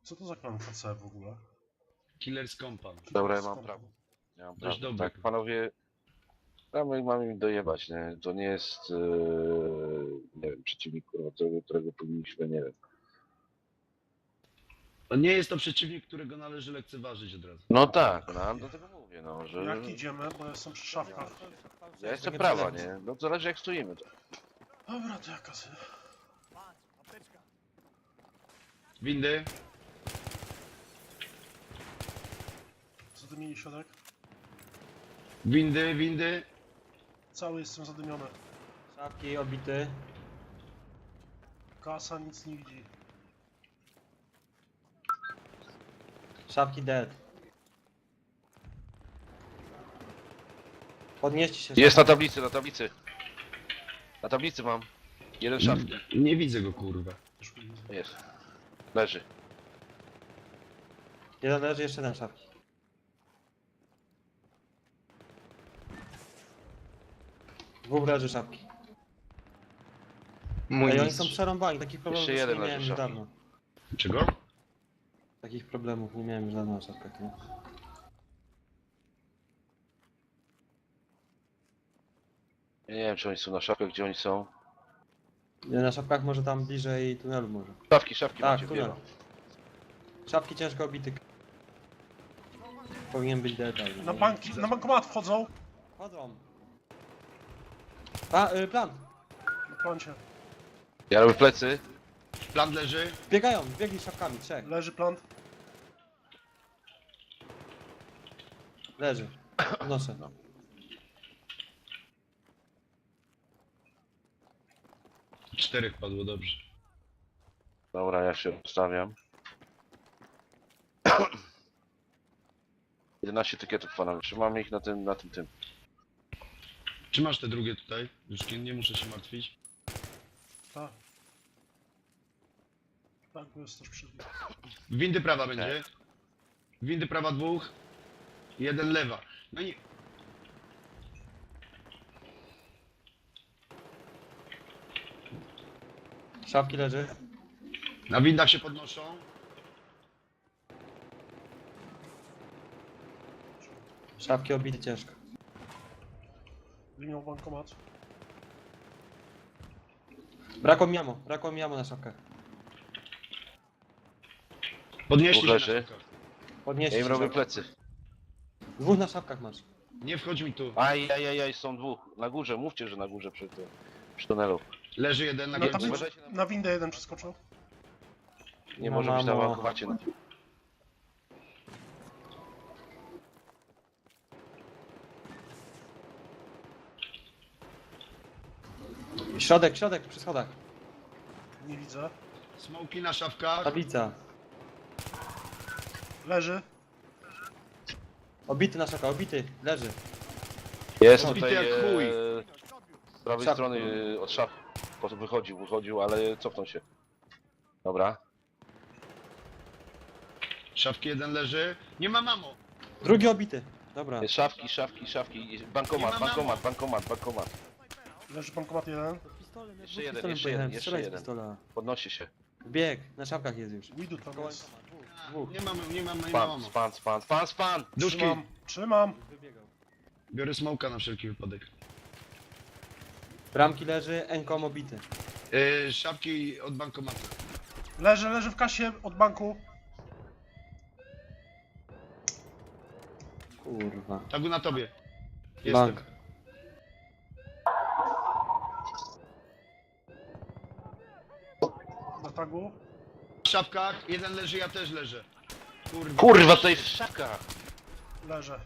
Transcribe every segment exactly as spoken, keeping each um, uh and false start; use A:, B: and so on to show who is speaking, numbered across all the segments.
A: Co to za klan K C w ogóle?
B: Killer's Compound.
C: Dobra, ja mam prawo. Ja mam
B: Dość
C: prawo.
B: dobry.
C: Tak, panowie, mamy, mamy im dojebać, nie? To nie jest, yy, nie wiem, przeciwnik, kurwa, którego, którego powinniśmy, nie wiem.
B: To nie jest to przeciwnik, którego należy lekceważyć od razu.
C: No tak, no, ale do tego mówię, no, że...
A: Jak idziemy, bo jestem przy szafkach.
C: Ja jestem prawa, nie? No zależy jak stoimy. To.
A: Dobra, to jaka sy...
B: Windy.
A: Zadymieni środek.
B: Windy, windy.
A: Cały jestem zadymiony.
D: Szafki obity.
A: Kasa nic nie widzi.
D: Szafki dead. Podnieście się.
C: Jest na
D: szafki.
C: tablicy, na tablicy. Na tablicy mam. Jeden szaf.
B: Nie widzę go, kurwa.
A: Też nie widzę.
C: Jest. Leży.
D: Jeden leży, jeszcze jeden szafki. Dwóch leży szafki.
B: Mój
D: Ej, oni
B: mistrz.
D: są przerąbani, takich problemów
C: Jeszcze
D: już
C: jeden
D: nie
C: leży
D: miałem już
C: szafki.
D: dawno.
B: Czego?
D: Takich problemów nie miałem już dawno na szafkach, nie?
C: Ja nie wiem czy oni są na szafkach, gdzie oni są.
D: Nie, na szafkach może tam bliżej tunelu może.
C: Szafki, szafki
D: Tak,
C: macie
D: tunel.
C: wiele.
D: Szafki ciężko obity. Powinien być dead. ale-
A: Na banki, na bankomat wchodzą.
D: Chodzą. A, y, plan.
A: Na plancie.
C: Ja robię plecy.
B: Plan leży.
D: Biegają, biegli szafkami, trzech.
A: Leży plant.
D: Leży. Noszę.
C: No.
B: Czterech padło, dobrze.
C: Dobra, ja się rozstawiam. jedenaście tykietów panowie. Trzymamy ich na tym, na tym, tym.
B: Czy masz te drugie tutaj? Już nie, nie muszę się martwić.
A: Tak. Tak, bo jest też przy nim.
B: Windy prawa będzie. Windy prawa dwóch. Jeden lewa. No i...
D: Szafki leży.
B: Na windach się podnoszą.
D: Szafki obity ciężko.
A: Linią bankomat.
D: Brakło mi jamo, brakło mi jamo na szafkach.
B: Podnieśli się na
C: Leży.
B: szafkach.
D: Podnieście
C: Ja im
D: się
C: robię
D: szafki.
C: plecy.
D: Dwóch na szafkach masz.
B: Nie wchodź mi tu.
C: Aj, aj, aj, aj, są dwóch. Na górze, mówcie, że na górze przy tym. Przy tunelu.
B: Leży jeden na
A: Na
B: górze.
A: tablicy,
C: uważajcie na-
A: na windę jeden przeskoczył.
C: Nie
D: No,
C: może być na
D: mamo.
C: bankomacie.
D: Środek, środek, przy schodach.
A: Nie widzę.
B: Smoki na szafkach.
D: Tablica.
A: Leży.
D: Obity na szafkach, obity. Leży.
C: Jest
B: Rozbity
C: tutaj
B: jak chuj.
C: e, z prawej
D: Szaf.
C: strony e, od szaf. Po prostu wychodził, wychodził, ale cofnął się. Dobra.
B: Szafki jeden leży. Nie ma mamo.
D: Drugi obity. Dobra.
C: Jest szafki, szafki, szafki. Bankomat,
B: Nie ma
C: bankomat, bankomat, bankomat.
A: Leży bankomat jeden.
D: Pistolem,
C: Jeszcze jeden, jeszcze jeden, jeszcze jeden. Podnosi się.
D: Bieg, na szafkach jest już.
A: Widu tam jest.
D: Dwóch.
B: Nie mam, nie mam, nie mam
C: Span,
B: mamo.
C: span, span, span, span!
B: Duszki.
A: Trzymam. Trzymam.
D: Wybiegał.
B: Biorę smoka na wszelki wypadek.
D: Bramki leży, enkom obity.
B: Yy, szafki od bankomatu.
A: Leży, leży w kasie od banku.
D: Kurwa.
B: Tagu na tobie. Jestem.
D: Bank.
A: Na tagu.
B: W szafkach. Jeden leży, ja też leżę. Kurwa.
C: Kurwa, tutaj jest szafka!
A: Leżę.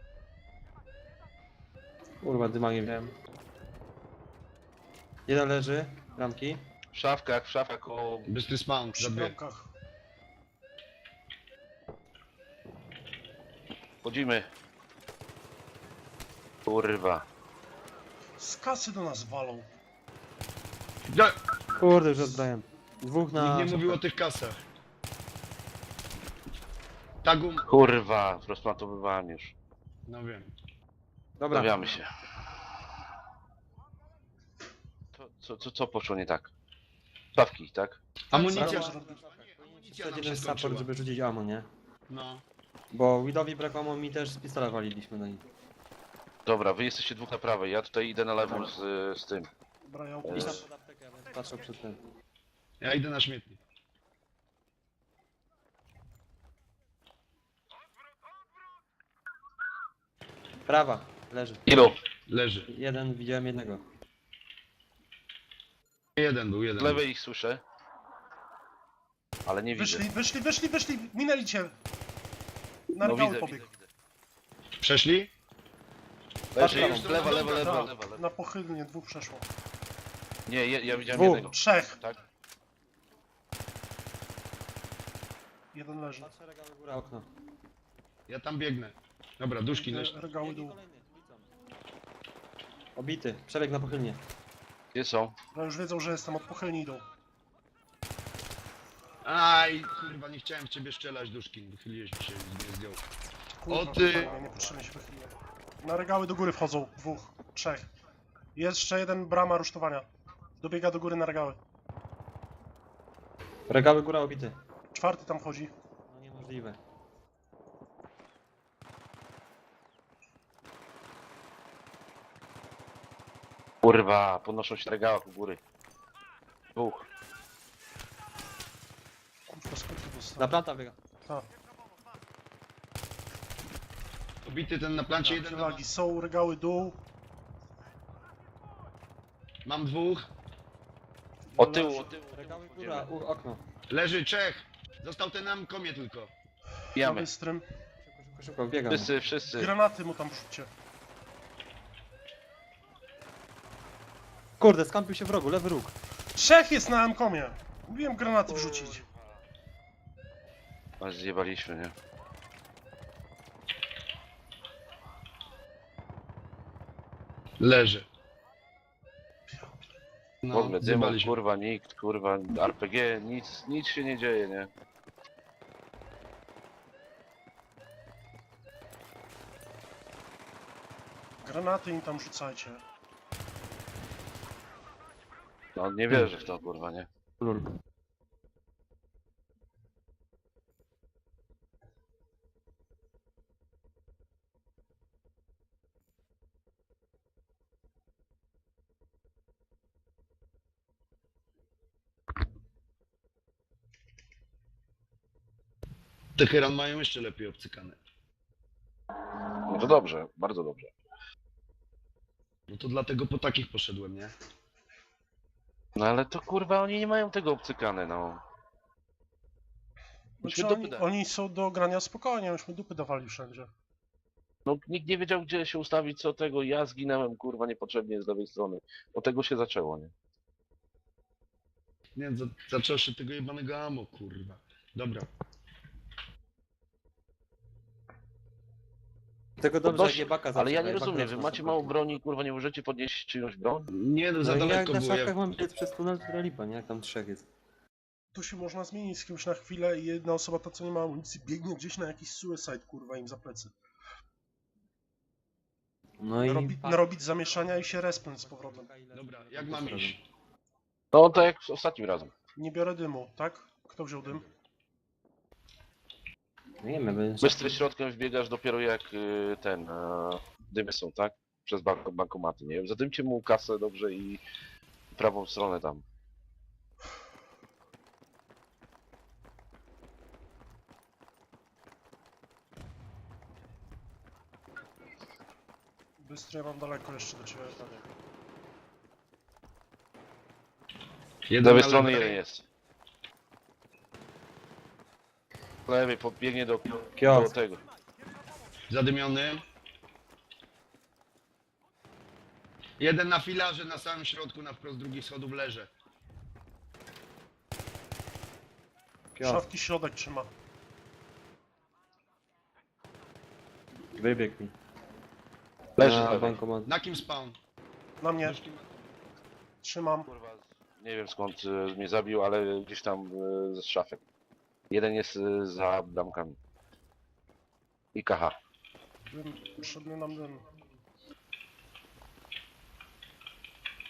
D: Kurwa, dyma nie wiem. Jeden leży, bramki.
C: W szafkach, w szafkach o...
B: Bystry spawn,
A: Przy
B: za dwie.
A: bramkach.
C: Wchodzimy. Kurwa.
A: Z kasy do nas walą.
B: No,
D: Kurde, już odbrałem. Dwóch na...
B: nikt nie mówił o tych kasach. Tagu...
C: Kurwa, rozplantowywałem już.
B: No wiem.
D: Dobra.
C: Stawiamy się. Co, co, co, co poszło nie tak? Szafki, tak?
B: Amunicja.
A: Zaraz-
B: Amunicja nam
D: jeden
B: się
D: support,
B: skończyła.
D: żeby rzucić ammo, nie?
B: No.
D: Bo Widowi brakło ammo, mi też z pistola waliliśmy na nich.
C: Dobra, wy jesteście dwóch na prawej, ja tutaj idę na lewą z, z tym.
A: Dobra, ja
C: Eee.
D: Idź
A: opuszczę.
D: tam pod aptekę, ja będę patrzał przed tym.
B: Ja idę na śmietnik.
D: Prawa, leży.
C: Ilu?
B: Leży.
D: Jeden, widziałem jednego.
B: Jeden był,
C: Z
B: jeden.
C: lewej ich słyszę. Ale nie widzę.
A: Wyszli, wyszli, wyszli, wyszli, minęli cię. Na
C: No
A: regały
C: widzę,
A: pobiegł.
C: widzę, widzę.
B: Przeszli?
C: Leży
D: Patrz
C: już,
B: prawą.
C: lewa, lewa, lewa,
A: Tak,
C: lewa, lewa.
A: na pochylnie dwóch przeszło.
C: Nie, ja, ja widziałem
D: Dwóch.
C: jednego.
A: Trzech.
C: Tak?
A: Jeden leży.
D: Patrzę regały góra, okno.
B: Ja tam biegnę. Dobra, duszki leż.
A: Re- Regały
D: Biegnij
A: dół.
D: kolejny, ulicą. Obity, przebieg na pochylnie.
C: Gdzie są?
A: No już wiedzą, że jestem, od pochylni idą.
B: Aj, kurwa, nie chciałem w ciebie strzelać, duszki. Wychyliłeś mi się, nie zdjął.
A: Kurwa,
B: O ty!
A: fajnie, niepotrzebnie się wychyliłem. Na regały do góry wchodzą, dwóch, trzech. Jeszcze jeden brama rusztowania. Dobiega do góry na regały.
D: Regały góra obity.
A: Czwarty tam chodzi.
D: No niemożliwe.
C: Kurwa, podnoszą się na regałach u góry. Dwóch.
A: Kurwa, skąd to dostał?
D: Na planta biega.
A: Tak,
B: Obity ten na plancie, jeden na...
A: przewagi. Są regały dół.
B: Mam dwóch.
C: O tyłu, o tyłu.
D: Regały góra, u, okno.
B: Leży Czech. Został ten nam komie tylko.
A: Na
C: Pijamy.
A: bystrym.
D: Szybko, szybko, szybko, biegam.
C: Wszyscy, wszyscy.
A: Granaty mu tam rzućcie.
D: Kurde, skampił się w rogu, lewy róg.
A: Trzech jest na M-komie. Mówiłem granaty wrzucić.
C: A zjebaliśmy, nie?
B: Leży.
C: W
B: No,
C: ogóle dymu,
B: zjebaliśmy.
C: kurwa, nikt, kurwa, R P G, nic, nic się nie dzieje, nie?
A: Granaty im tam rzucajcie.
C: No nie wierzę w to, kurwa, nie?
D: Lul.
B: Teheran mają jeszcze lepiej obcykane.
C: No to dobrze, bardzo dobrze.
B: No to dlatego po takich poszedłem, nie?
C: No ale to kurwa, oni nie mają tego obcykane, no.
A: Znaczy,
C: dupy
A: oni,
C: dać.
A: oni są do grania spokojnie, myśmy dupy dawali wszędzie.
C: No nikt nie wiedział, gdzie się ustawić, co tego. Ja zginąłem, kurwa, niepotrzebnie z lewej strony. Od tego się zaczęło, nie?
B: Nie, za, zaczęło się tego jebanego amo, kurwa. Dobra.
D: Tego dobrze,
C: Podnosi-
D: jak jebaka
C: Ale ja
D: zaczyna,
C: nie
D: jebak
C: rozumiem,
D: raz
C: wy
D: na
C: macie
D: szybko.
C: mało broni, kurwa, nie możecie podnieść czyjąś broń?
B: Nie, no za
D: No i jak
B: daleko
D: na
B: było.
D: szafkach
B: Ja...
D: mam biec przez tunel, to lipa, nie? Jak tam trzech jest.
A: Tu się można zmienić z kimś na chwilę i jedna osoba, ta co nie ma amunicji, biegnie gdzieś na jakiś suicide, kurwa, im za plecy.
D: No i...
A: Narobi, narobić zamieszania i się respnąć z powrotem.
B: Dobra, jak mam iść?
C: No tak jak ostatnim razem.
A: Nie biorę dymu, tak? Kto wziął dym?
D: Nie wiem, będę...
C: Bystry środkiem wbiegasz dopiero jak y, ten, e, dymy są, tak? Przez bank bankomaty, nie wiem. Zadymcie mu kasę dobrze i prawą stronę tam.
A: Bystry, ja mam daleko jeszcze do ciebie.
C: Z
B: Jeden
C: lewej
B: na
C: strony
B: lewej.
C: jeden jest. Z lewej podbiegnie do, do
D: Kiosk.
C: tego.
B: Zadymiony. Jeden na filarze na samym środku, na wprost drugich schodów leży.
D: Kiosk.
A: Szafki środek trzyma.
D: Wybieg mi.
C: Leży z
D: Na
C: lewej.
D: bankomat.
B: Na kim spawn?
A: Na mnie,
B: Duszki ma-
A: trzymam.
C: Kurwa, nie wiem skąd y, mnie zabił, ale gdzieś tam y, ze szafek. Jeden jest y, za damkami. I K H.
A: Dym, potrzebny nam dym.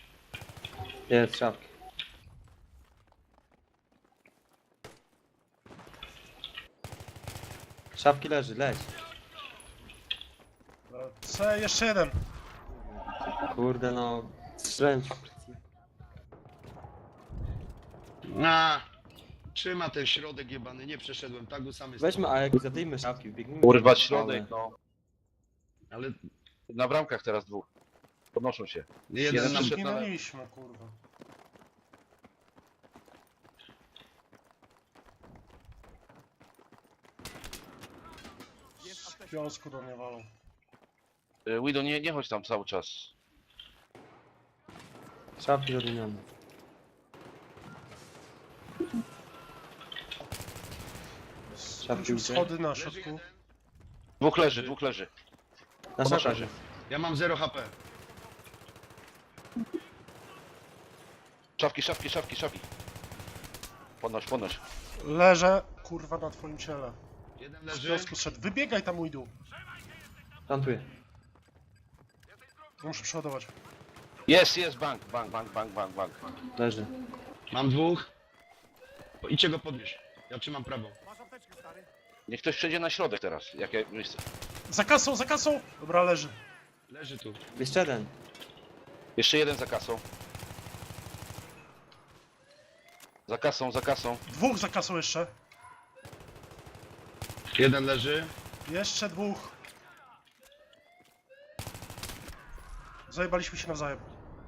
D: Jest, szafki. Szafki leży, leć.
A: C, jeszcze jeden.
D: Kurde no. Strzelałem ci.
B: A, trzyma ten środek jebany, nie przeszedłem, tagu sam jest.
D: Weźmy A jak zadejmy szafki, wbiegnijmy.
C: Kurwa,
D: Ale-
C: środek, no.
B: Ale
C: Na bramkach teraz dwóch. Podnoszą się.
B: jeden
C: Jeden
B: nam...
C: przyszedł.
A: Zginęliśmy, kurwa. W piąsku do mnie walą.
C: Y, Widow, nie, nie chodź tam cały czas.
D: Szafki zadymione. Szafki
A: Wrócił
D: uciekł.
A: schody na
B: Leży
A: środku.
B: jeden.
C: Dwóch leży, dwóch leży.
D: Na
C: Podnoszą
D: szafkach
C: się.
D: jest.
B: Ja mam zero H P.
C: Szafki, szafki, szafki, szafki. Podnoś, podnoś.
A: Leżę, kurwa, na twoim ciele.
B: Jeden
A: Z
B: leży.
A: piąsku szedł. Wybiegaj tam, Widu.
D: Plantuję.
A: Muszę przeładować.
C: Jest, jest, bank, bank, bank, bank, bank, bank.
D: Leży.
B: Mam dwóch. O, idźcie go podnieść. Ja trzymam prawą.
C: Niech ktoś przejdzie na środek teraz. Jakie miejsce?
A: Za kasą, za kasą! Dobra, leży.
B: Leży tu.
D: Jeszcze jeden.
C: Jeszcze jeden za kasą. Za kasą, za kasą.
A: Dwóch za kasą jeszcze.
B: Jeden leży.
A: Jeszcze dwóch. Zajebaliśmy się nawzajem.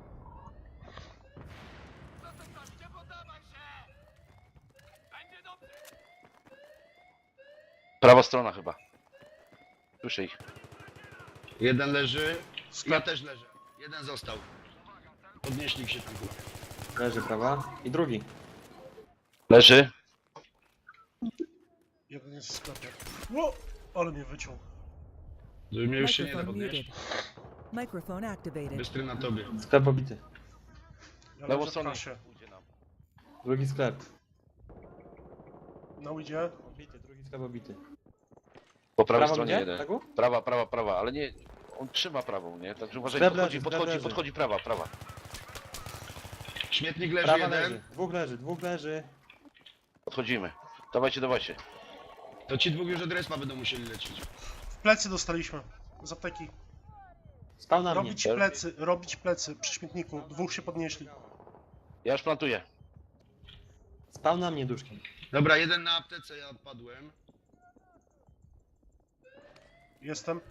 C: Prawa strona chyba. Słyszę ich.
B: Jeden leży. Ja
A: Sklep.
B: też leżę. Jeden został. Podnieśli się tam.
D: Leży prawa. I drugi.
C: Leży.
A: Jeden jest w sklepie. Ło! Ale mnie wyciął.
B: Żeby mnie już się nie da
E: Microphone
B: podnieść.
E: muted. Microphone activated.
B: Bystry na tobie.
D: Sklep obity.
A: Ja
C: Lewą
A: leżę w
C: stronę.
A: kasie.
D: Drugi sklep.
A: Na Widzie.
D: Obity, drugi sklep obity.
C: Po prawej
D: Prawa
C: stronie
D: gdzie?
C: jeden.
D: Tagu?
C: Prawa, prawa, prawa, ale nie. On trzyma prawą, nie? Także uważaj,
D: Sklep
C: podchodzi,
D: leży, sklep
C: podchodzi,
D: leży.
C: podchodzi prawa, prawa.
B: Śmietnik leży
D: Prawa
B: jeden.
D: leży. Dwóch leży, dwóch leży.
C: Podchodzimy. Dawajcie, dawajcie.
B: To ci dwóch już od respa będą musieli lecieć.
A: W plecy dostaliśmy. Z apteki.
D: Spał na mnie.
A: Robić plecy, robić plecy przy śmietniku. Dwóch się podnieśli.
C: Ja już plantuję.
D: Spał na mnie duszkiem.
B: Dobra, jeden na aptece, ja odpadłem.
A: Jestem.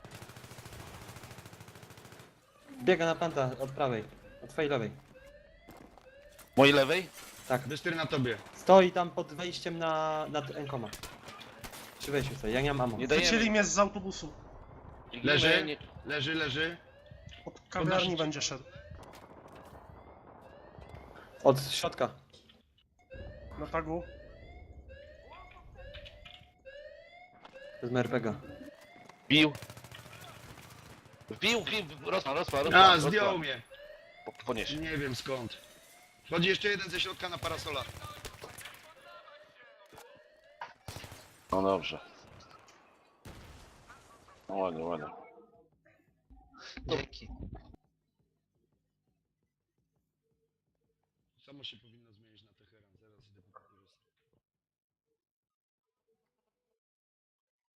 D: Biega na planta od prawej. Od twojej lewej.
C: Mojej lewej?
D: Tak.
B: Bystry na tobie.
D: Stoi tam pod wejściem na... nad Enkoma. Przy wejściu stoi, ja nie mam ammo.
C: Nie
A: Wycięli
C: dajemy.
A: mnie z autobusu.
B: Leży?
C: Nie,
B: Leży, leży.
A: Od kawiarni
B: Podnosicie.
A: będzie szedł.
D: Od środka.
A: Na tagu.
D: Z M R P G.
C: Bił. Wbił, wbił, rozpa, rozpa, rozpa.
B: A,
C: rozpa.
B: zdjął mnie.
C: Po- Podnieś.
B: Nie wiem skąd. Chodzi jeszcze jeden ze środka na parasola.
C: No dobrze. No ładnie, ładnie.
D: Dzięki.
B: Samo się powinno